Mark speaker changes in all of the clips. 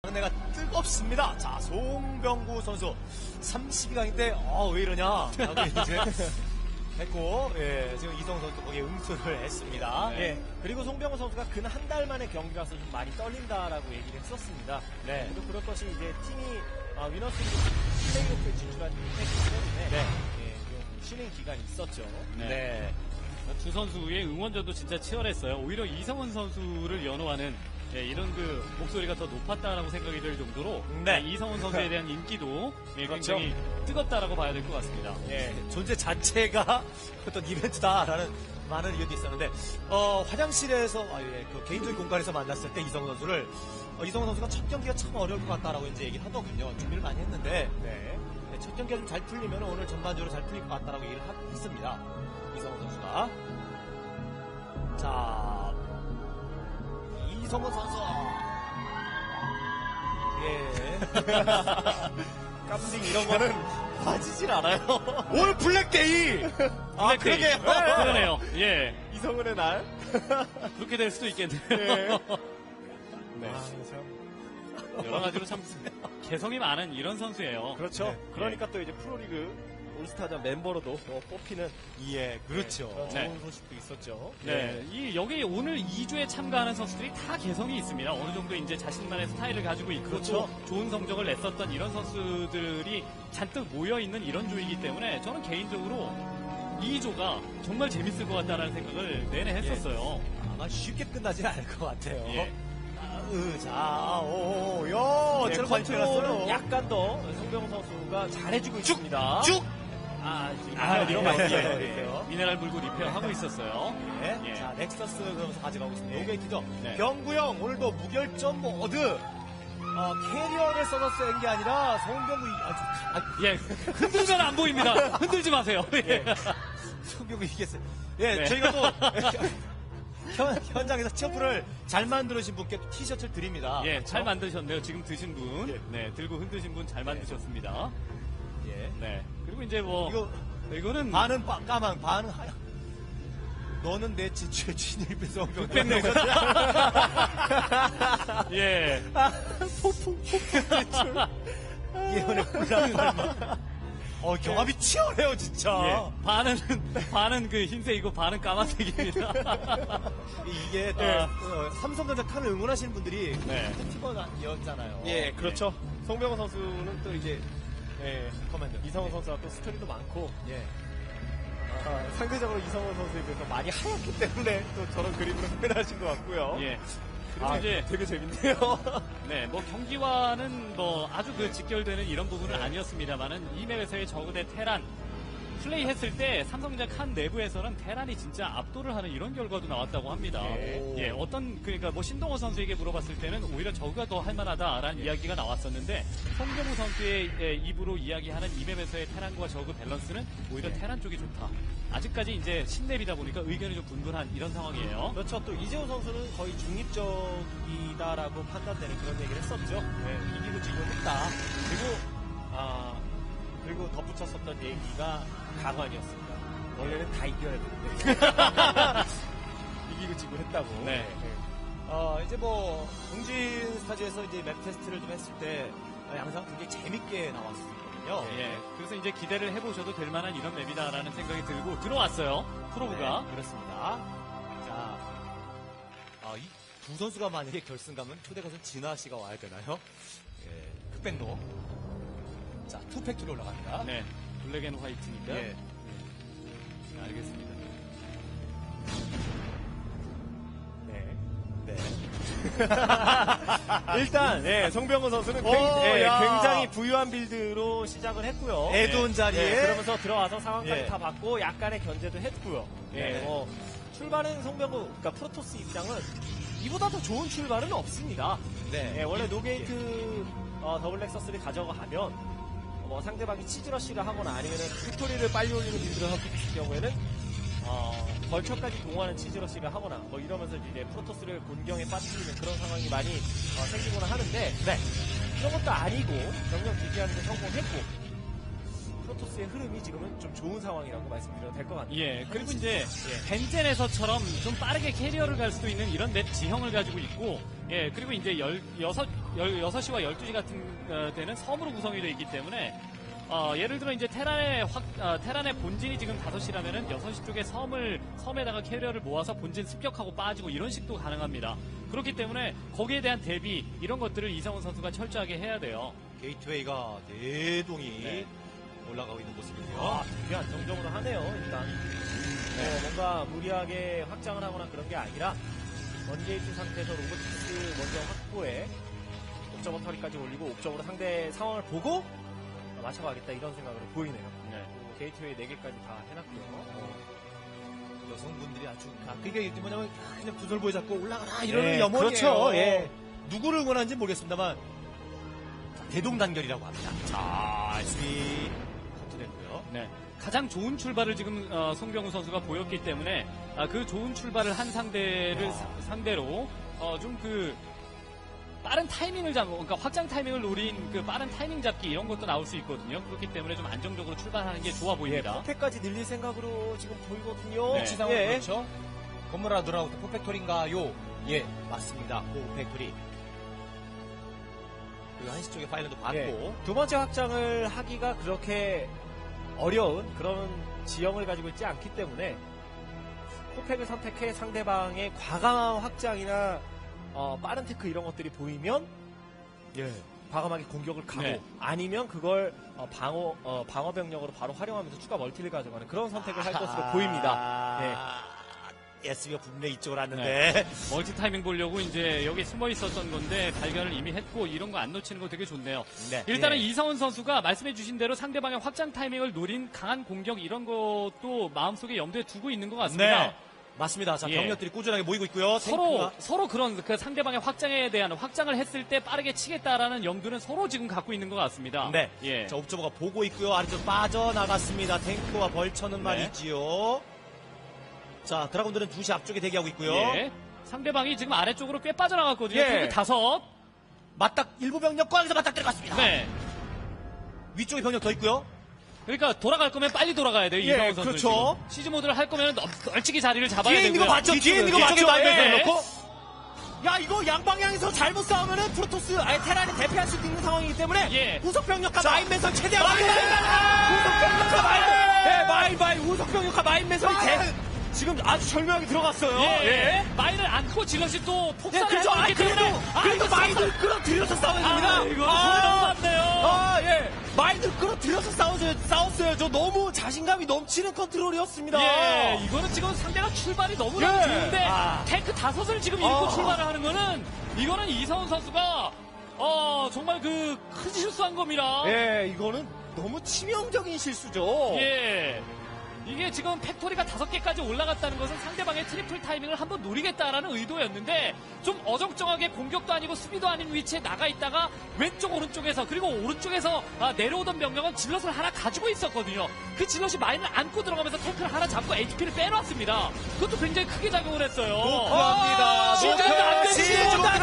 Speaker 1: 상대가 뜨겁습니다. 자, 송병구 선수 32강인데 왜 이러냐 하고 이제 했고, 예, 지금 이성훈 선수 거기에 응수를 했습니다.
Speaker 2: 네. 예, 그리고 송병호 선수가 근 한 달 만에 경기라서 좀 많이 떨린다라고 얘기를 했었습니다.
Speaker 1: 네.
Speaker 2: 그래도 그럴 것이 이제 팀이 위너스리그 플레이오프에 진출한 했기 때문에
Speaker 1: 네.
Speaker 2: 예, 좀 쉬는 기간이 있었죠.
Speaker 1: 네.
Speaker 3: 두 선수의 응원전도 진짜 치열했어요. 오히려 이성훈 선수를 연호하는 이런 그 목소리가 더 높았다라고 생각이 들 정도로
Speaker 1: 네.
Speaker 3: 이성훈 선수에 대한 인기도
Speaker 1: 그렇죠.
Speaker 3: 굉장히 뜨겁다라고 봐야 될 것 같습니다.
Speaker 1: 예, 존재 자체가 어떤 이벤트다라는 많은 의견도 있었는데, 화장실에서, 그 개인적인 공간에서 만났을 때 이성훈 선수를, 이성훈 선수가 첫 경기가 참 어려울 것 같다라고 이제 얘기를 하더군요. 준비를 많이 했는데,
Speaker 2: 네.
Speaker 1: 첫 경기가 좀 잘 풀리면 오늘 전반적으로 잘 풀릴 것 같다라고 얘기를 했습니다. 이성훈 선수가. 자, 이성훈 선수. 예.
Speaker 2: 깜찍 이런 거는 빠지질 않아요.
Speaker 1: 올 블랙데이! 아, 그러게요.
Speaker 3: 그러네요. 예.
Speaker 2: 이성훈의 날.
Speaker 3: 그렇게 될 수도 있겠네요.
Speaker 2: 네.
Speaker 3: 네.
Speaker 2: 아, 참.
Speaker 3: 여러 가지로 참 개성이 많은 이런 선수예요.
Speaker 2: 그렇죠.
Speaker 1: 네.
Speaker 2: 그러니까 또 이제 프로리그 올스타전 멤버로도 뽑히는
Speaker 1: 예, 그렇죠.
Speaker 2: 그런
Speaker 3: 네.
Speaker 2: 좋은 소식도 있었죠.
Speaker 3: 네, 여기 오늘 2주에 참가하는 선수들이 다 개성이 있습니다. 어느 정도 이제 자신만의 스타일을 가지고 있고
Speaker 1: 그렇죠.
Speaker 3: 또 좋은 성적을 냈었던 이런 선수들이 잔뜩 모여 있는 이런 조이기 때문에 저는 개인적으로 2조가 정말 재밌을 것 같다는 생각을 내내 했었어요.
Speaker 1: 아마 쉽게 끝나진 않을 것 같아요.
Speaker 3: 예.
Speaker 1: 자, 요,
Speaker 2: 네,
Speaker 1: 저런 많이
Speaker 2: 컨트롤은
Speaker 1: 들었어요.
Speaker 2: 약간 더 송병호 선수가 잘해주고 있습니다.
Speaker 1: 쭉!
Speaker 2: 지금
Speaker 1: 이런 거
Speaker 2: 많이
Speaker 1: 있어요.
Speaker 2: 있어요.
Speaker 3: 미네랄 물고 리페어 하고 있었어요.
Speaker 1: 예.
Speaker 3: 예.
Speaker 1: 자, 넥서스 그러면서 가져가고 있습니다. 노게이트죠.
Speaker 3: 네.
Speaker 1: 병구형, 오늘도 무결점 모드. 캐리어를 써서 쓴 게 아니라, 송병구,
Speaker 3: 예, 흔들면 안 보입니다. 흔들지 마세요. 예.
Speaker 1: 송병구 이겼어요. 예,
Speaker 3: 네.
Speaker 1: 저희가 또, 현장에서 치어프를 잘 만들어주신 분께 티셔츠를 드립니다.
Speaker 3: 예,
Speaker 1: 그렇죠?
Speaker 3: 잘 만드셨네요. 지금 드신 분.
Speaker 1: 예.
Speaker 3: 네, 들고 흔드신 분 잘 만드셨습니다.
Speaker 1: 예.
Speaker 3: 네. 그리고 이제 뭐 이거는
Speaker 1: 반은 까만, 반은 하얀. 너는 내 지추의 진입에 송병구.
Speaker 3: 흑백로. 예.
Speaker 1: 예언의 혼란. 경합이 치열해요, 진짜.
Speaker 3: 예. 반은 그 흰색이고 반은 까만색입니다.
Speaker 1: 이게 또,
Speaker 3: 예.
Speaker 1: 삼성전자 칸을 응원하시는 분들이
Speaker 3: 네.
Speaker 1: 팀원이었잖아요.
Speaker 2: 예, 그렇죠. 송병호 선수는 또 이제
Speaker 1: 커맨드.
Speaker 2: 이성훈 선수가 또 스토리도 많고
Speaker 1: 예.
Speaker 2: 상대적으로 이성훈 선수에 비해서 많이 하얗기 때문에 또 저런 그림으로 표현하신 것 같고요.
Speaker 3: 예. 그리고 이제
Speaker 2: 되게 재밌네요.
Speaker 3: 네, 뭐 경기와는 뭐 아주 그 직결되는 이런 부분은 아니었습니다만은 이 맵에서의 저그 대 테란 플레이 했을 때 삼성전자 칸 내부에서는 테란이 진짜 압도를 하는 이런 결과도 나왔다고 합니다. 예, 그러니까 뭐 신동호 선수에게 물어봤을 때는 오히려 저그가 더 할만하다라는 이야기가 나왔었는데 송병우 선수의 입으로 이야기하는 이 맵에서의 테란과 저그 밸런스는 오히려 테란 쪽이 좋다. 아직까지 이제 신맵이다 보니까 의견이 좀 분분한 이런 상황이에요.
Speaker 2: 그렇죠. 또 이재호 선수는 거의 중립적이다라고 판단되는 그런 얘기를 했었죠. 네, 이기고 지고 했다. 그리고 덧붙였었던 얘기가 강환이었습니다. 원래는 다 이겨야 되는데 이기고 지고 했다고.
Speaker 3: 네.
Speaker 1: 이제 뭐 동진 스타즈에서 이제 맵 테스트를 좀 했을 때 양상 굉장히 재밌게 나왔거든요.
Speaker 3: 예, 그래서 이제 기대를 해보셔도 될 만한 이런 맵이다라는 생각이 들고 들어왔어요. 프로브가.
Speaker 1: 네, 그렇습니다. 자, 이 두 선수가 만약에 결승 가면 초대가선 진아 씨가 와야 되나요? 예, 흑백로. 자, 투팩트로 올라갑니다.
Speaker 3: 네, 블랙 앤 화이트니까.
Speaker 1: 예.
Speaker 3: 네, 알겠습니다.
Speaker 1: 네.
Speaker 2: 일단 송병호 선수는 굉장히 부유한 빌드로 시작을 했고요.
Speaker 1: 에돈 자리에.
Speaker 2: 그러면서 들어와서 상황까지
Speaker 1: 예.
Speaker 2: 다 봤고 약간의 견제도 했고요.
Speaker 1: 네.
Speaker 2: 출발은 송병호, 그러니까 프로토스 입장은 이보다 더 좋은 출발은 없습니다.
Speaker 1: 네.
Speaker 2: 원래 노게이트 더블 렉서스를 가져가면 상대방이 치즈러시를 하거나 아니면 빅토리를 빨리 올리는 빌드를 하고 있을 경우에는 벌처까지 동원하는 치즈러시를 하거나 이러면서 이제 프로토스를 곤경에 빠뜨리는 그런 상황이 많이 생기거나 하는데 그런 것도 아니고 병력 유지하는 데 성공했고 프로토스의 흐름이 지금은 좀 좋은 상황이라고 말씀드려도 될 것 같아요.
Speaker 3: 예, 그리고 이제 벤젠에서처럼 좀 빠르게 캐리어를 갈 수도 있는 이런 맵 지형을 가지고 있고, 예, 그리고 이제 6시와 12시 같은 데는 섬으로 구성이 되어 있기 때문에 예를 들어 이제 테란의 본진이 지금 5시라면은 6시 쪽에 섬에다가 캐리어를 모아서 본진 습격하고 빠지고 이런 식도 가능합니다. 그렇기 때문에 거기에 대한 대비 이런 것들을 이성훈 선수가 철저하게 해야 돼요.
Speaker 1: 게이트웨이가 4동이 올라가고 있는 모습이고요.
Speaker 2: 아, 되게 안정적으로 하네요, 일단. 뭔가 무리하게 확장을 하거나 그런 게 아니라, 원게이트 상태에서 로보틱스 먼저 확보해, 옵저버 처리까지 올리고, 옵저버로 상대 상황을 보고, 맞춰가겠다, 이런 생각으로 보이네요.
Speaker 3: 네.
Speaker 2: 게이트웨이 4개까지 다 해놨고요.
Speaker 1: 여성분들이 아주 그게 뭐냐면 그냥 구설보에 잡고 올라가라 이러는
Speaker 2: 네,
Speaker 1: 염원이에요.
Speaker 2: 그렇죠. 예.
Speaker 1: 누구를 응원하는지 모르겠습니다만 대동단결이라고 합니다. 자, SB 커트됐고요.
Speaker 3: 네. 가장 좋은 출발을 지금 송병우 선수가 보였기 때문에 그 좋은 출발을 한 상대를 상대로 좀 그 빠른 타이밍을 그러니까 확장 타이밍을 노린 그 빠른 타이밍 잡기 이런 것도 나올 수 있거든요. 그렇기 때문에 좀 안정적으로 출발하는 게 좋아 보입니다.
Speaker 2: 포켓까지 늘릴 생각으로 지금 보이거든요.
Speaker 3: 네.
Speaker 1: 지상은
Speaker 2: 예.
Speaker 1: 그렇죠. 건물 하나 들어가고 포팩토리인가요? 예, 맞습니다. 포팩토리. 그리고 한시 쪽에 파일런도 받고
Speaker 2: 예. 두 번째 확장을 하기가 그렇게 어려운 그런 지형을 가지고 있지 않기 때문에 포팩을 선택해 상대방의 과감한 확장이나 빠른 테크 이런 것들이 보이면
Speaker 1: 예.
Speaker 2: 과감하게 공격을 가고
Speaker 3: 네.
Speaker 2: 아니면 그걸 방어 병력으로 바로 활용하면서 추가 멀티를 가져가는 그런 선택을 할 것으로 보입니다. 네.
Speaker 1: SB가 분명히 이쪽으로 왔는데
Speaker 3: 멀티 타이밍 보려고 이제 여기 숨어 있었던 건데 발견을 이미 했고 이런 거 안 놓치는 거 되게 좋네요.
Speaker 1: 네.
Speaker 3: 일단은
Speaker 2: 예.
Speaker 3: 이성훈 선수가 말씀해 주신 대로 상대방의 확장 타이밍을 노린 강한 공격 이런 것도 마음속에 염두에 두고 있는 것 같습니다.
Speaker 1: 네. 맞습니다. 자,
Speaker 3: 예.
Speaker 1: 병력들이 꾸준하게 모이고 있고요.
Speaker 3: 서로 그런 그 상대방의 확장에 대한 확장을 했을 때 빠르게 치겠다라는 염두는 서로 지금 갖고 있는 것 같습니다.
Speaker 1: 네.
Speaker 3: 예.
Speaker 1: 자, 옵저버가 보고 있고요. 아래쪽 빠져나갔습니다. 탱크와 벌처는
Speaker 3: 네.
Speaker 1: 말이지요. 자, 드라군들은 2시 앞쪽에 대기하고 있고요.
Speaker 3: 예. 상대방이 지금 아래쪽으로 꽤 빠져나갔거든요.
Speaker 2: 예.
Speaker 3: 탱크 5.
Speaker 1: 맞닥 일부 병력 꽝에서 맞닥 들어갔습니다.
Speaker 3: 네.
Speaker 1: 위쪽에 병력 더 있고요.
Speaker 3: 그러니까 돌아갈 거면 빨리 돌아가야 돼요.
Speaker 1: 예,
Speaker 3: 이성훈 선수.
Speaker 1: 그렇죠.
Speaker 3: 시즈 모드를 할 거면 널찍이 자리를 잡아야
Speaker 1: 뒤에 있는 거
Speaker 3: 되고요.
Speaker 1: 맞죠? 뒤에 있는 거
Speaker 2: 뒤쪽에
Speaker 1: 맞죠? 말면서
Speaker 3: 예.
Speaker 1: 해놓고. 야, 이거 양방향에서 잘못 싸우면은 프로토스, 아예 테란이 대피할 수도 있는 상황이기 때문에.
Speaker 3: 예.
Speaker 1: 후속 병력과 마인 매설 최대한
Speaker 2: 마인 매설!
Speaker 1: 후속 병력과 마인 매설!
Speaker 2: 마인 우석병력과 마인 매설이 지금 아주 절묘하게 들어갔어요.
Speaker 3: 예. 마인을 안고 질럿이 또
Speaker 1: 네,
Speaker 3: 폭발을
Speaker 1: 그렇죠.
Speaker 3: 하고 있기 때문에.
Speaker 1: 그래도 마인을 끌어들여서 싸워야 됩니다.
Speaker 3: 이거 소리 너무 많네요.
Speaker 1: 예. 마인을 끌어들여서 싸웠어요. 저 너무 자신감이 넘치는 컨트롤이었습니다.
Speaker 3: 예, 이거는 지금 상대가 출발이 너무너무
Speaker 1: 예.
Speaker 3: 좋은데
Speaker 1: 아.
Speaker 3: 탱크 5을 지금 잃고 출발을 하는 거는 이거는 이성훈 선수가 정말 그 큰 실수한 겁니다.
Speaker 2: 예, 이거는 너무 치명적인 실수죠.
Speaker 3: 예. 이게 지금 팩토리가 5개까지 올라갔다는 것은 상대방의 트리플 타이밍을 한번 노리겠다라는 의도였는데 좀 어정쩡하게 공격도 아니고 수비도 아닌 위치에 나가 있다가 왼쪽 오른쪽에서 그리고 오른쪽에서 내려오던 병력은 질럿을 하나 가지고 있었거든요. 그 질럿이 마인을 안고 들어가면서 탱크를 하나 잡고 HP를 빼놨습니다. 그것도 굉장히 크게 작용을 했어요.
Speaker 1: 노크합니다.
Speaker 3: 시즌도 안 됐지.
Speaker 1: 시즌도 안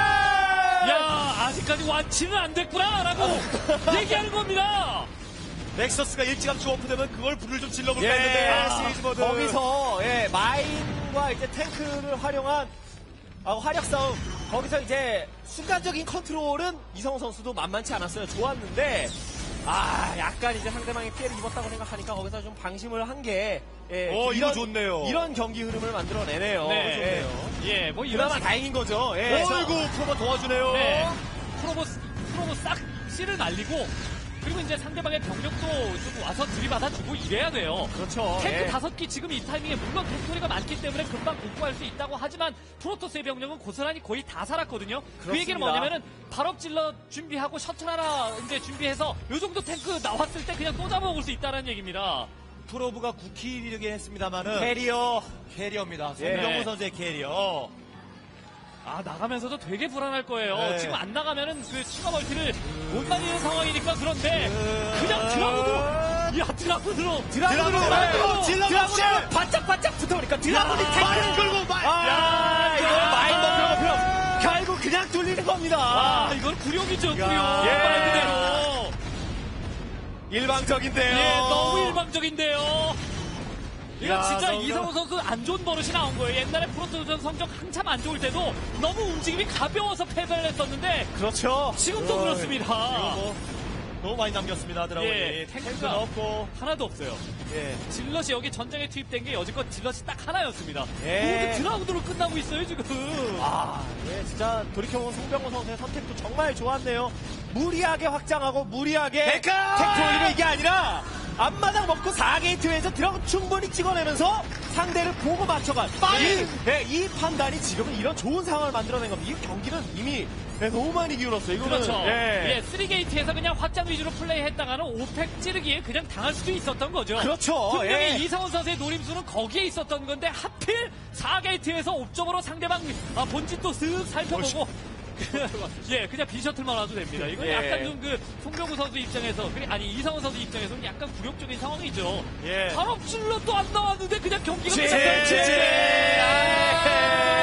Speaker 3: 야, 아직까지 완치는 안 됐구나라고 얘기하는 겁니다.
Speaker 1: 넥서스가 일찌감치 오프되면 그걸 불을 좀 질러볼까
Speaker 2: 예,
Speaker 1: 했는데 시리즈 모드.
Speaker 2: 거기서 마인과 이제 탱크를 활용한 활약 싸움. 거기서 이제 순간적인 컨트롤은 이성훈 선수도 만만치 않았어요. 좋았는데 약간 이제 상대방이 피해를 입었다고 생각하니까 거기서 좀 방심을 한 게
Speaker 1: 이거 좋네요.
Speaker 2: 이런 경기 흐름을 만들어내네요.
Speaker 3: 네.
Speaker 2: 좋네요.
Speaker 3: 예, 뭐 이런
Speaker 2: 그나마 다행인 거죠. 예.
Speaker 1: 어이구 프로가 도와주네요.
Speaker 3: 네. 프로보 싹 씨를 날리고 그리고 이제 상대방의 병력도 좀 와서 들이받아주고 이래야 돼요.
Speaker 2: 그렇죠.
Speaker 3: 탱크
Speaker 2: 예.
Speaker 3: 5기 지금 이 타이밍에 물론 팩토리가 많기 때문에 금방 복구할 수 있다고 하지만 프로토스의 병력은 고스란히 거의 다 살았거든요. 그 얘기는
Speaker 2: 그렇습니다.
Speaker 3: 뭐냐면은 발업질러 준비하고 셔틀 하나 이제 준비해서 요 정도 탱크 나왔을 때 그냥 또 잡아먹을 수 있다는 얘기입니다.
Speaker 1: 프로브가 9킬이긴 했습니다만은 캐리어입니다.
Speaker 2: 예.
Speaker 1: 송병호 선수의 캐리어.
Speaker 3: 나가면서도 되게 불안할 거예요.
Speaker 1: 네.
Speaker 3: 지금 안 나가면은 그 추가 멀티를 못 날리는 상황이니까 그런데 그냥 드라군으로
Speaker 1: 드라군으로 질러봅시다.
Speaker 2: 바짝바짝 붙어보니까 드라군이
Speaker 1: 마인 끌고
Speaker 2: 이거 마인 넣으면 결국 그냥 뚫리는 겁니다.
Speaker 3: 이건 구룡이죠, 구룡.
Speaker 2: 예.
Speaker 3: 말 그대로.
Speaker 2: 일방적인데요.
Speaker 3: 예, 너무 일방적인데요. 이거
Speaker 1: 야,
Speaker 3: 진짜
Speaker 1: 너무-
Speaker 3: 이성훈 선수 안 좋은 버릇이 나온 거예요. 옛날에 프로토전 성적 한참 안 좋을 때도 너무 움직임이 가벼워서 패배를 했었는데
Speaker 1: 그렇죠.
Speaker 3: 지금도
Speaker 1: 어이,
Speaker 3: 그렇습니다.
Speaker 1: 이거 뭐 너무 많이 남겼습니다. 드라곤이.
Speaker 3: 예,
Speaker 1: 탱크도
Speaker 3: 탱크가
Speaker 1: 없고.
Speaker 3: 하나도 없어요.
Speaker 1: 예.
Speaker 3: 질럿이 여기 전장에 투입된 게 여지껏 질럿이 딱 하나였습니다.
Speaker 1: 예.
Speaker 3: 모두 드라운드로 끝나고 있어요 지금.
Speaker 2: 아, 예, 진짜 돌이켜보면 송병호 선수의 선택도 정말 좋았네요. 무리하게 확장하고 무리하게
Speaker 1: 데카!
Speaker 2: 텍트 올리면 이게 아니라 앞마당 먹고 4게이트에서 드라곤 충분히 찍어내면서 상대를 보고 맞춰간 이 판단이 지금은 이런 좋은 상황을 만들어낸 겁니다. 이 경기는 이미 너무 많이 기울었어요. 이거는
Speaker 3: 그렇죠.
Speaker 2: 예.
Speaker 3: 예, 3게이트에서 그냥 확장 위주로 플레이했다가는 5팩 찌르기에 그냥 당할 수도 있었던 거죠.
Speaker 2: 그렇죠.
Speaker 3: 분명히
Speaker 2: 예.
Speaker 3: 이상훈 선수의 노림수는 거기에 있었던 건데 하필 4게이트에서 옵적으로 상대방 본진도 쓱 살펴보고 예, 그냥 비셔틀만 와도 됩니다. 이건
Speaker 2: 예.
Speaker 3: 약간 좀 그 송병구 선수 입장에서 아니 이상훈 선수 입장에서는 약간 굴욕적인 상황이죠.
Speaker 2: 예.
Speaker 3: 발업질로 또 안 나왔는데 그냥 경기가
Speaker 2: 제-
Speaker 3: 끝났어요.
Speaker 2: 제-